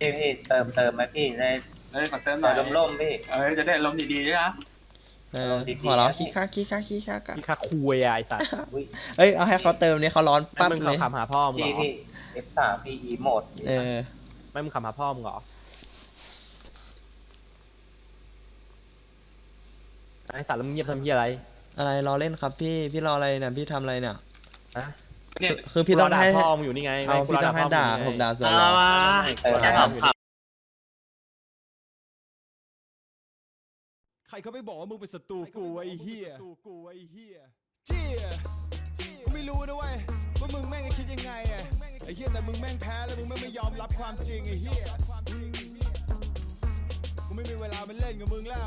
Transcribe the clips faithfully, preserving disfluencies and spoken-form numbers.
พี่พี่เติมเติมไหมพี่ได้เออขอเติมหน่อยร่มร่มพี่เออจะได้ลมณ์ดีๆด้วยนะเออหัวเราะขี้ข้าขี้ข้าขี้ข้ากันพี่คาคุยอะไอสัตว์อุ้ยเอ้ยเอาให้เขาเติมเนี่ยเขาร้อนไม่ปั๊บมึงเลยขับหาพ่อมึงเหรพี่อพี่ เอฟ สาม พี่อีโหมดเออไม่มึงขับหาพ่อมึงเหรอไอสัตว์แล้วมึงเงียบทำเหี้ยอะไรอะไรรอเล่นครับพี่พี่รออะไรเนี่ยพี่ทำอะไรเนี่ยฮะเนี่ยคือพี่ต้องกูรด่าให้พ่อมึงอยู่นี่ไงเอาไม่กูพี่รต้องให้พ่ด่ามึงผมด่าสวนเอาเหรอมาเออแค่ถามขับใครเขาไม่บอกว่ามึงเป็นศัตรูกูไอ้เหี้ยกูไอ้เหี้ยเจี๊ยกูไม่รู้นะเว้ยว่ามึงแม่งจะคิดยังไงอะไอ้เหี้ยแต่มึงแม่งแพ้แล้วมึงแม่งไม่ยอมรับความจริงไอ้เหี้ยกูไม่มีเวลามาเล่นกับมึงแล้ว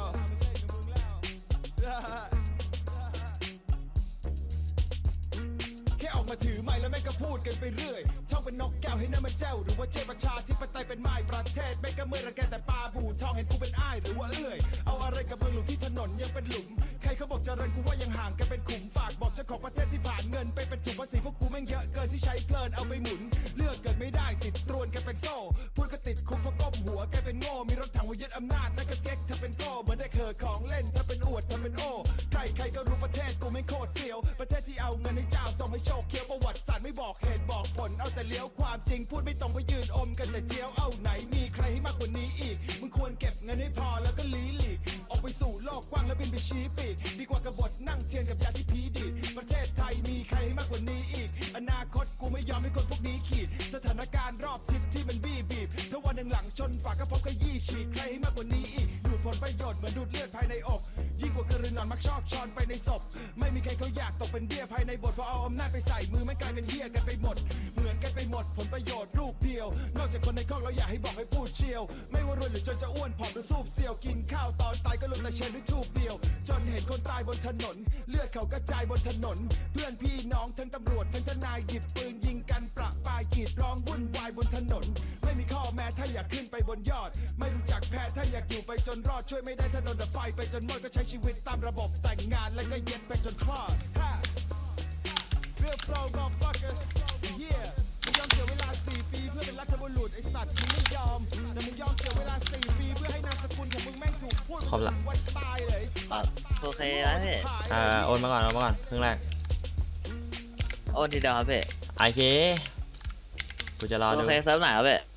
แค่ออกมาถือไม้แล้วแม่งก็พูดกันไปเรื่อยท่องเป็นนกแก้วให้น้ำมันเจ้าหรือว่าเจ้าประชาธิปไตยเป็นไม้ประเทศแม่งก็เมื่อระแกแต่ปลาบูทองเห็นกูเป็นอ้ายหรือว่าเอื้อยเอาอะไรกับมึงหลุมที่ถนนยังเป็นหลุมใครเขาบอกเจริญกูว่ายังห่างกันเป็นขุมฝากบอกเจ้าของประเทศที่ผ่านเงินไปเป็นถุงภาษีพวกกูแม่งเยอะเกินที่ใช้เพลินเอาไปหมุนเลือกเกิดไม่ได้ติดตรวนกันเป็นโซ่พูดก็ติดคุกเพราะก้มหัวแกเป็นโง่มีรถถังไว้ยึดอำนาจแล้วก็เก๊กถ้าเป็นโก้เหมือนได้เคอของเล่นถ้าเป็นอวดถ้าเป็นโอ้ใครใครก็รู้ประเทศกูไม่โคตรเสียวประเทศที่เอาเงินให้เจ้าส่งให้โชคเคี้ยวประวัติศาสตร์ไม่บอกเหตุบอกผลเอาแต่เลี้ยวความจริงพูดไม่ตรงไปยืนอมกันแต่เจียวเอาไหนมีใครให้มากกว่านี้อีกมึงควรเก็บเงินให้พอแล้วก็ลีหลีกออกไปสู่โลกกว้างแล้วบินไปชี้ปีกดีกว่ากบฏนั่งเทียนกับยาที่ผีดีดประเทศไทยมีใครให้มากกว่านี้อีกอนาคตกูไม่ยอมให้คนพวกนี้ขีดสถานการณ์รอบทิศที่มันบี้บีบถ้าวันหนึ่งหลังชนฝากระเพาะก็ยี่ฉีกใครให้มากกว่านี้อีกดูดผลประโยชน์เหมือนดูดเลือดภายในอกยิ่งกว่ากระรือนอนมักชอกชอนไปในศพไม่มีใครเขาอยากตกเป็นเบี้ยภายในบทพอเอาอำนาจไปใส่มือไม่กลายเป็นเหี้ยกันไปหมดเหมือนกันไปหมดผลประโยชน์ลูกเดียวนอกจากคนในครอบเราอยากให้บอกให้พูดเชียวไม่ว่ารวยหรือจนจะอ้วนผอมหรือสูบเสี่ยวกินข้าวตอนตายก็ลุกแต่เชนด้วยทูบเดียวจนเห็นคนตายบนถนนเลือดเขากระจายบนถนนเพื่อนพี่น้องทั้งตำรวจทั้งทนายหยิบปืนยิงกันประปรายกรีดร้องวุ่นวายบนถนนไม่มีข้อแม้ถ้าอยากขึ้นไปบนยอดไม่รู้จักแพ้ถ้าอยากอยู่ไปจนรอดช่วยไม่ได้ถ้าโดนดับไฟไปจนหมดก็ใช้ชีวิตตามระบบแต่งงานแล้วก็เย็ดไปจนคลอดเรื่องโปรมอลฟักเกอร์เฮียมึงยอมเสียเวลาสี่ปีเพื่อเป็นรัฐบุรุษไอสัตว์มึงไม่ยอมแต่มึงยอมเสียเวลาสี่ปีเพื่อให้นามสกุลของมึงแม่งถูกพูดวันตายเลยสัตว์โอเคแล้วพี่อ่าโอนมาก่อนโอนมาก่อนครึ่งแรกโอนทีเดียวครับพี่โอเคกูจะรอโอดูเคเซิร์ฟไหนครับพี่